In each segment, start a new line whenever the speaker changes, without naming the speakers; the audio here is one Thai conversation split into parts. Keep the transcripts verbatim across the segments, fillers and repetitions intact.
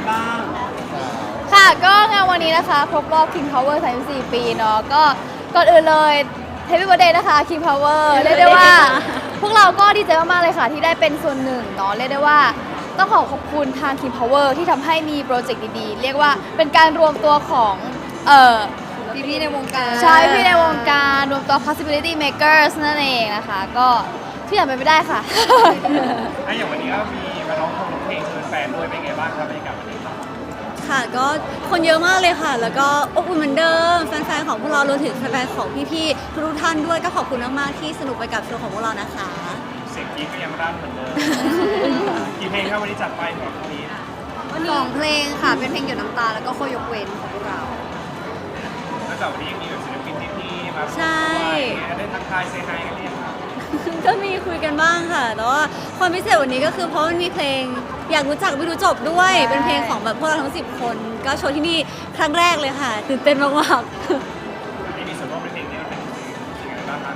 บ้าง
ค่ะก็งานวันนี้นะคะครบรอบ King Power สามสิบสี่ปีเนาะก็ก่อนอื่นเลย Happy Birthday นะคะ King Power เรียกได้ว่าพวกเราก็ดีใจมากๆเลยค่ะที่ได้เป็นส่วนหนึ่งเนาะเรียกได้ว่าต้องขอขอบคุณทาง King Power ที่ทำให้มีโปรเจกต์ดีๆเรียกว่าเป็นการรวมตัวของเอ่อ
พี่ๆในวงการ
ใช่พี่ในวงการรวมตัว possibility makers นั่นเองนะคะก็ที่อย่างเป็นไปได้ค่ะ
ไอ้อย่างวันนี้ก็มีมาร้องเพลงเชิญแฟนด้วยเป็นไงบ้างครับบรรยากาศวันนี้
ค่ะก็คนเยอะมากเลยค่ะแล้วก็อบอุ่นเหมือนเดิมแฟนๆของพวกเรารวมถึงแฟนๆของพี่ๆทุกท่านด้วยก็ขอบคุณมากๆที่สนุกไปกับโชว์ของพวกเรานะคะ
เสียงกรี๊ดก็ยังร่ำเหมือนเดิมกี่เพลงครับวันนี้จัดไปสำหรับวันนี้
สองเพลงค่ะเป็นเพลงหยดน้ำตาแล้วก็โคยกเว้นของพวกเรา
แล้วจากวันนี้ยังมีแบบศิลปินที่ๆมา
ใช่
ได้ทักทายเซฮายกันเรียงครับ
ก็มีคุยกันบ้างค่ะแต่ว่าความพิเศษวันนี้ก็คือเพราะมันมีเพลงอยากรู้จักไม่รู้จบด้วยเป็นเพลงของแบบพวกเราทั้งสิบคนก็โชว์ที่นี่ครั้งแรกเลยค่ะตื่นเต้นมาก
ๆนี่มีส่วนร่วมในเพลงนี้เป็นยังไงบ้างครับ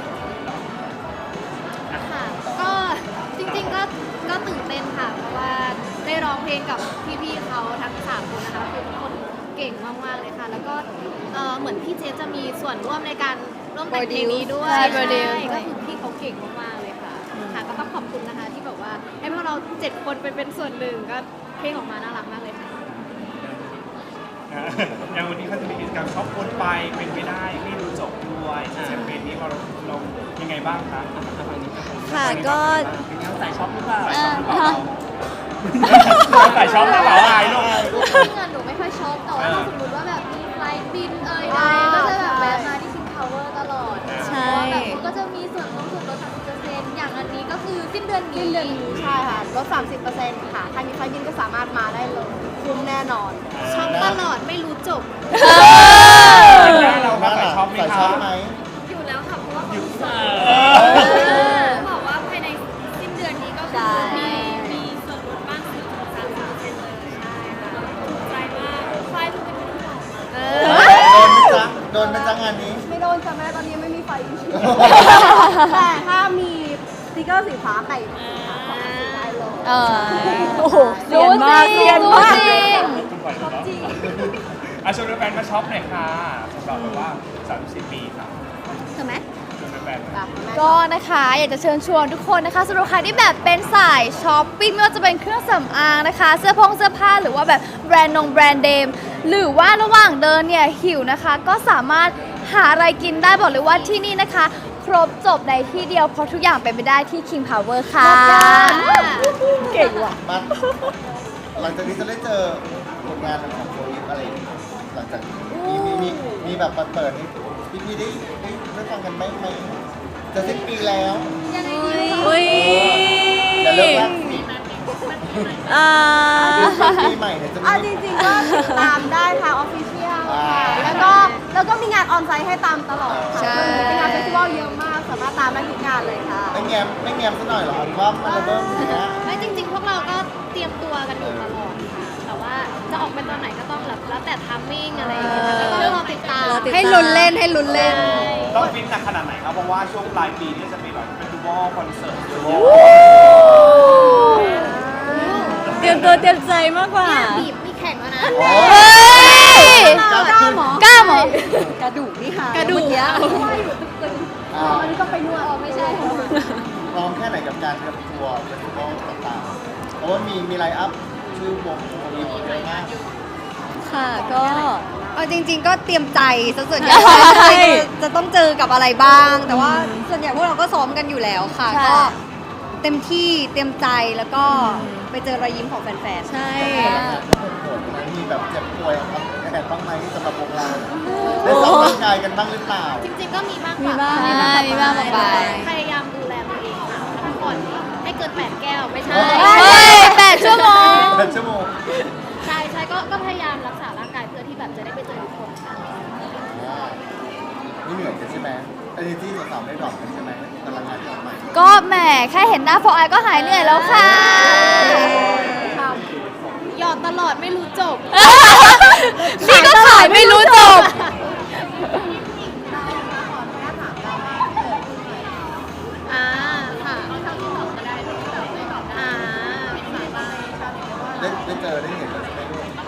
ค่ะก็จริงๆก็ก็ตื่นเต้นค่ะเพราะว่าได้ร้องเพลงกับพี่ๆเขาทั้งสามคนนะคะคือทุกคนเก่งมากๆเลยค่ะแล้วก็เหมือนพี่เจฟจะมีส่วนร่วมในการร่วมแต่งเพลงนี้ด้วยใช่ก็คือพี่เขาเก่งมากๆเลยค่ะค่ะก็ต้องขอบคุณนะคะที่แบบว่าให้พวกเราเจ็ดคนไปเป็นส่วนหนึ่งก็เพลงออกมาน่ารักมากเลยค่ะ
อย่างวันนี้เขาจะมีกิจกรรมช็อปคนไปเป็นไปได้ไม่รู้จบด้วยแคมเปญนี้เราเรายังไงบ้างคะ
ค่ะก็
เป็นการใส่ช็อปหรือเปล่าใส่ช็อปหรือเปล่าใส่ช็อปหรือเปล่าอะไรลูก
เงินหนูไม่ค่อยช็อปแต่ว่าถ้าสมมติว่าแบบมีไฟล์บินเอ่ยใดก็จะแบบแวะมาที่ King Power ตลอด
ใช่
แบบก็จะมีส่วนลดส่วนลด สามสิบเปอร์เซ็นต์ อย่างอันนี้ก็คือสิ้นเดือนนี้
สิ้นเดือนนี้ใช่ค่ะลด สามสิบเปอร์เซ็นต์ ค่ะใครมีไฟล์บินก็สามารถมาได้เลยคุ้มแน่นอน
ช็อปตลอดไม่รู้จบ
เราก็ใส่ช็อปไหมครับ
อยู่แล้วค่ะเพราะว่าเขาบอกว่าภายในสิ้นเดือนนี้ก็คือมีมีส่วนลดบ้างสิบถึงสามสิบเปอร์เซ็นต์เลยใช่ค่ะถูกใจมากไฟล์ทุกคนที่บอก
มาโดนไหมจ๊ะโดนไหมจ๊ะงานนี้
ไม่โดนจ้ะแม่ตอนนี้ไม่มีไฟแต่ถ้ามีสติ๊กเกอร์สีฟ้าไก่ได้เลย
เออโอ้โหเรียนมากเรียนมากจริง
จริงอาชวนแฟนมาช็อปหน่อยค่ะสำหรับแบบว่าสามสิบปีครับ
ใช่ไหม
ก็นะคะอยากจะเชิญชวนทุกคนนะคะสำหรับใครที่แบบเป็นสายช้อปปิ้งไม่ว่าจะเป็นเครื่องสำอางนะคะเสื้อผงเสื้อผ้าหรือว่าแบบแบรนด์นงแบรนด์เดมหรือว่าระหว่างเดินเนี่ยหิวนะคะก็สามารถหาอะไรกินได้บอกเลยว่าที่นี่นะคะครบจบในที่เดียวเพราะทุกอย่างเป็นไปได้ที่ King Power ค่ะเก่งว่ะ
มาหลังจากนี้จะได้เจอผลงานของโฟยิปอะไรหลังจากมีมีมีมีแบบเปิดให้พี่พี่ได้ได้ได้ฟังกันไหมไหมจะสิ้นปีแล้ว
ยังไงดี
อุ้ย
อย่าเลิกรักสิ
อ่า
ปีใหม่เนี่ยจะมี
จริงๆก็ติดตามได้ทางออฟฟิเชียลแล้วก็แล้วก็มีงานออนไซต์ให้ตามตลอด
ใช่
เป็นงานเฟสติวัลเยอะมากสามารถตามได้ทุกงานเลยค่ะ
ไม่แง้มไม่แง้มซะหน่อยหรอว่ามันระเบิดอย่างเงี้ย
ไม่จริงๆพวกเราก็เตรียมตัวกันอยู่ตลอดค่ะแต่ว่าจะออกเป็นตอนไหนก็ต้องแล้วแต่ทัมมิ่งอะไรอย่างเงี้ยก็ต้องรอติดตาม
ให้ลุ้นเล่นให้ลุ้นเล่น
ต้องฟิตหนักขนาดไหนครับเพราะว่าช่วงปลายปีนี้จะมีแบบเฟสติวัลคอนเสิร์ตเยอะ
เตรียมตัวเตรียมใจมากกว่า
บีบมีแข่งแล้วนะ
กล้าหมอกล้าหมอกระดูกนี่ค่ะ
กระดูกเนี้ย
อ๋ออันนี้ก็ไปนวดอ๋อไม่ใช่
พร้อมแค่ไหนกับการเตรียมตัวเฟสติวัลต่างๆเพราะว่ามีมีไลน์อัพชื่อวงมีเยอะมาก
ค่ะก็เอาจริงๆก็เตรียมใจซะส่วนใหญ่จะต้องเจอกับอะไรบ้างแต่ว่าส่วนใหญ่พวกเราก็ซ้อมกันอยู่แล้วค่ะก็เต็มที่เตรียมใจแล้วก็ไปเจอรอยยิ้มของแฟนๆใช่
มีแบบเจ็บป่วยครับแอบบ้างไหมสำหรับพวกเราได้ซ้อมร่างกายกันบ้างหรือเปล่า
จริงๆก็มีบ้าง
มีบ้าง
มีบ้างไปพยายามดูแลตัวเองค่ะพักผ่อนให้เกินแปดแก้วไม่ใช่
แปดชั่วโมง
แปดชั่วโมง
ใช่ใช่ก็ก็พยายามรักษาร่างกายเพื่อที่แบบจะได้ไปเจอทุกคนค่ะ
นี่เหนื่อยกันใช่ไหมไอ้ที่สาวๆไม่ดรอปกันใช่ไหมพลังงานที่ออกมา
ก็แหมแค่เห็นหน้าโฟไอก็หายเหนื่อยแล้วค่ะ
หยอดตลอดไม่รู้จบ
นี่ก็ขายไม่รู้จบ
อ่าค่ะเอาเท่าที่ตอบก็ได้อ่า
ได้ได้เจอได้เห็นแล้วใช่ไหม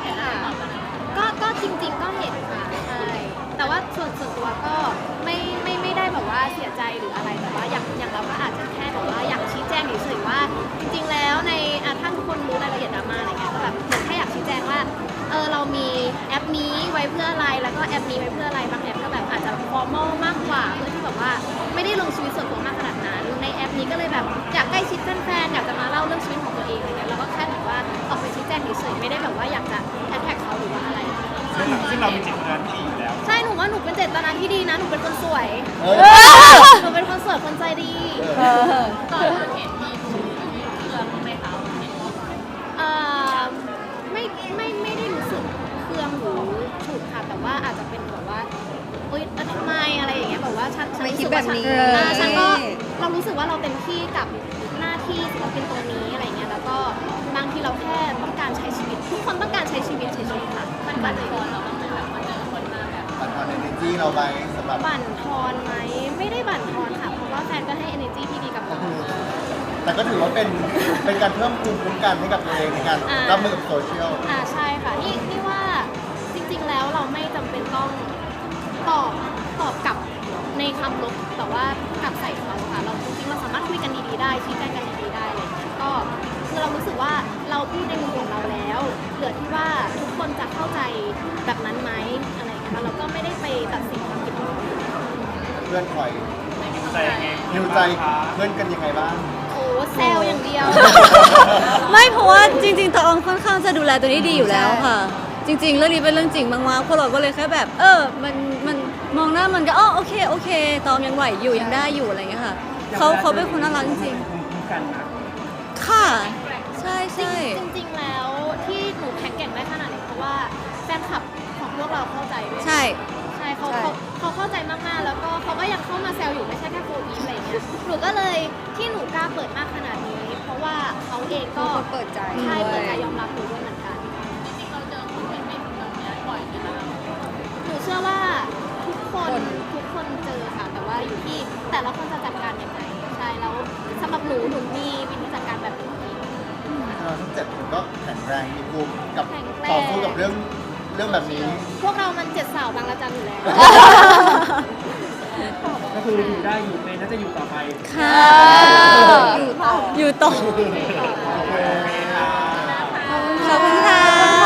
จริงๆก็เห็นค่ะใช่แต่ว่าส่วนส่วนตัวก็ไม่ไม่ไม่ได้แบบว่าเสียใจหรืออะไรแต่ว่าอย่างอย่างเราก็อาจจะแค่แบบว่าอยากชี้แจงเฉยๆว่าจริงๆแล้วในอ่ะถ้าทุกคนรู้รายละเอียดดราม่าอะไรเงี้ยก็แบบเหมือนแค่อยากชี้แจงว่าเออเรามีแอปนี้ไว้เพื่ออะไรแล้วก็แอปนี้ไว้เพื่ออะไรบางแอปก็แบบอาจจะฟอร์มอลมากกว่าเพื่อที่แบบว่าไม่ได้ลงชีวิตส่วนตัวมากขนาดนั้นในแอปนี้ก็เลยแบบอยากใกล้ชิดแฟนๆอยากจะมาเล่าเรื่องชีวิตของตัวเองอะไรเงี้ยแล้วก็แค่แบบว่าออกไปชี้แจงเฉยๆไม่ได้แบบว่าอยากจะแอดแท็กเขาหรือว่าอะไร
ซึ่งซึ่งเรามีเจตนาที่ดีอยู่แล้ว
ใช่ หนูว่าหนูเป็นเจตนาที่ดีนะ หนูเป็นคนสวย
เออ
หนูเป็นคนสวย คนใจดี
เออ
ก่อนเห็นมีเครื่องไหมคะเอ่อไม่ไม่ไม่ได้รู้สึกเครื่องหรือฉุกค่ะ แต่ว่าอาจจะเป็นแบบว่าเอ้ยทำไมอะไรอย่างเงี้ยแบบว่าฉันฉัน
ไม่
รู้
คิ
สึ
ด
ก
แบ
ว่า
บ
ฉัน
นี้
อ่าฉันก็เรารู้สึกว่าเราเต็มที่กับหน้าที่ศิลปินตัวนี้อะไรเงี้ย แล้วก็บางทีเราแค่ต้องการใช้ชีวิต ทุกคนต้องการใช้ชีวิตเฉยๆค่ะ มันบั่นทอนเราบ้างไหมแบบมาเจอคนมาแบบ
ปันทอนเอเนจีเราไปสำหรับ
บั่นทอนไหมไม่ได้บั่นทอนค่ะ เพราะว่าแฟนก็ให้ energy ที่ดีกับเรา
แต่ก็ถือว่าเป็นเป็นการเพิ่มภูมิคุ้มกันให้กับตัวเองในการ
อ่า
รับมือกับโซเชียล
อ่าใช่ค่ะนี่นี่ว่าจริงๆแล้วเราไม่จำเป็นต้องตอบตอบกลับในคำลบแต่ว่ากลับใส่เขาค่ะเราจริงๆเราสามารถคุยกันดีๆได้ชี้แจงกันดีๆได้อะไรอย่างเงี้ยก็คือเรารู้สึกว่าเราพูดในมุมของเราแล้วเหลือที่ว่าทุกคนจะเข้าใจแบบนั้นไหมอะไรอย่างเงี้ยค่ะเราก็ไม่ได้ไปตัดสินความคิดของคนอื่น
เพื่อนคอย
หิวใจยังไง
ฮิวใจเพื่อนกันยังไงบ้าง
โอ้แซวอย่างเดียว
ไม่เพราะว่าจริงๆตะออมค่อนข้างจะดูแลตัวนี้ดีอยู่แล้วค่ะ จริง ๆ เรื่องนี้เป็นเรื่องจริงมากๆพวกเราก็เลยแค่แบบ เออ มันมันมองหน้ามันก็อ๋อโอเคโอเคตอมยังไหวอยู่ยังได้อยู่อะไรอย่างเงี้ยค่ะเขาเขาเป็นคนน่ารักจริง
ภูมิคุ้มกันนะ
ๆค่ะ ใช่ใช่
จริงๆ แล้วที่หนูแข็งแกร่งได้ขนาดนี้เพราะว่าแฟนคลับของพวกเราเข้าใจด้วย
ใช่
ใช่เขา
ใช่
เขาเขาเข้าใจมากๆ แล้วก็เขาก็ยังเข้ามาแซวอยู่ไม่ใช่แค่โฟอีฟอะไรเงี้ย หนูก็เลยที่หนูกล้าเปิดมากขนาดนี้ เพราะว่าเขาเองก็
ทุกคนเปิดใจ
ใช่
ด้
เปิ
ว
ด
ย
ใจยอมรับหนูด้วยเหมือนกัน จริงๆ เราเจอคนไม่เป็นแบบนี้บ่อยไหมคะหนูเชื่อว่าทุกคนทุกคนเจอค่ะ แต่ว่าอยู่ที่แต่ละคนจะจัดการยังไง ใช่ แล้วสำหรับหนูหนูมีวิธีจัดการแบบหนูเอง
เราทั้งเจ็ดคนก็แข็งแรงมีภูมิกับ
แข็งแรง
ต่อสู้กับเรื่องเรื่องแบบนี้
พวกเรามันเจ็ดสาวบางระจันอยู่แล้ว
ก็คืออยู่ได้อยู่เป็นน่าจะอยู่ต่อไป
ค่ะ
อยู่ต่อ
อยู่ต่อ